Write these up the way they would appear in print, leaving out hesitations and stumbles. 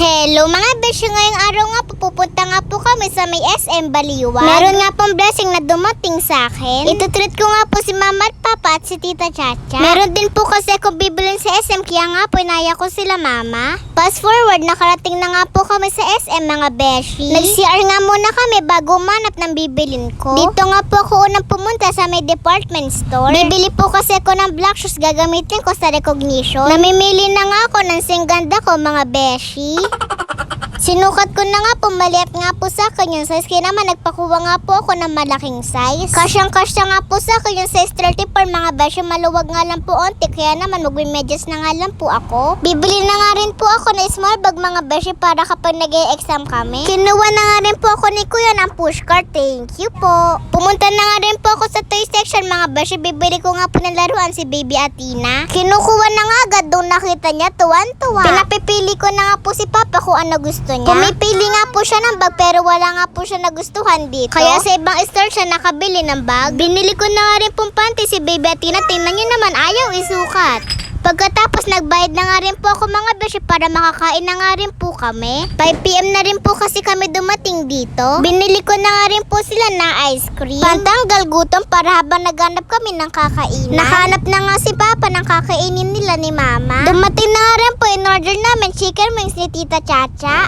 Hello mga beshi, ngayong araw nga pupunta nga po kami sa may SM Baliwag. Meron nga pong blessing na dumating sa akin. Itutreat ko nga po si mama at papa at si tita Chacha. Meron din po kasi ako bibilin sa SM, kaya nga po inaya ko sila mama. Fast forward, nakarating na nga po kami sa SM mga beshi. Nag-CR nga muna kami bago manap ng bibilin ko. Dito nga po ako unang pumunta sa may department store. Bibili po kasi ako ng black shoes, gagamitin ko sa recognition. Namimili na nga ako ng singganda ko mga beshi. Sinukat ko na nga po, maliit nga po sa akin yung size, kaya naman nagpakuha nga po ako ng malaking size. Kasyang-kasya nga po sa akin yung size 34 mga beshi, maluwag nga lang po onti, kaya naman magme-medyas na nga lang po ako. Bibili na nga rin po ako ng small bag mga beshi para kapag nag-e-exam kami. Kinuha na nga rin po ako ni kuya ng pushcart, thank you po. Pumunta na nga rin po ako sa toy section mga beshi, bibili ko nga po ng laruan si baby Athena. Kinukuha na nga agad, doon nakita niya, tuwan-tuwa. Pinapipili ko na nga po si papa kung ano gusto niya. Pumipili nga po siya ng bag pero wala nga po siya nagustuhan dito. Kaya sa ibang store siya nakabili ng bag. Binili ko na nga rin pong panty si baby Athena. Tingnan niyo naman, ayaw isukat. Pagkatapos nagbayad na nga rin po ako mga beshi para makakain na nga rin po kami. 5 PM na rin po kasi kami dumating dito. Binili ko na nga rin po sila ng ice cream. Pantanggal gutom para habang naghanap kami ng kakainan. Nakahanap na nga si papa ng kakainin nila ni mama. Dumating na nga rin po, in-order namin chicken wings ni tita Chacha.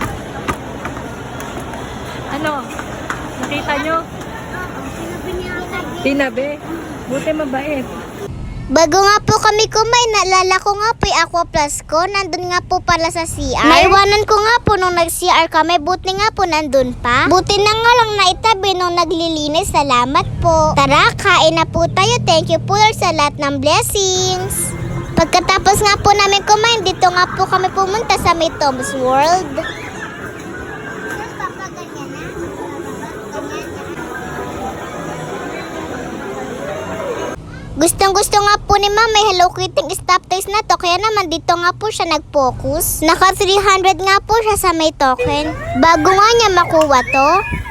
Ano? Nakita nyo? Tinabi. Buti mabait. Bago nga po kami kumain, naalala ko nga po yung Aqua Plus ko. Nandun nga po pala sa CR. Naiwanan ko nga po nung nag-CR kami. Buti nga po nandun pa. Buti na nga lang naitabi nung naglilinis. Salamat po. Tara, kain na po tayo. Thank you po Lord sa lahat ng blessings. Pagkatapos nga po namin kumain, dito nga po kami pumunta sa may Tom's World. Gustong-gusto nga po ni mama may Hello Kitty stop toys na to, kaya naman dito nga po siya nag-focus. Naka 300 nga po siya sa may token. Bago nga niya makuha to.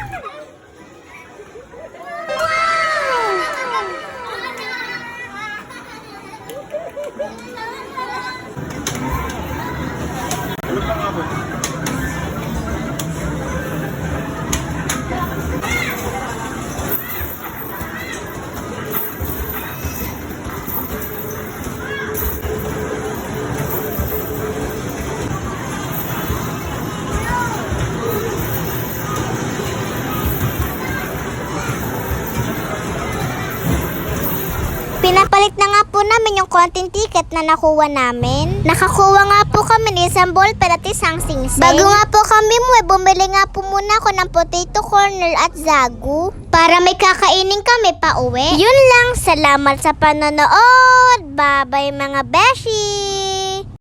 Pinapalit na nga po namin yung konting ticket na nakuha namin. Nakakuha nga po kami ng isang ballpen at isang singsing. Bago nga po kami bumili nga po muna ako ng potato corner at zagu para may kakainin kami pa uwi. Yun lang, salamat sa panonood. Bye bye mga beshi!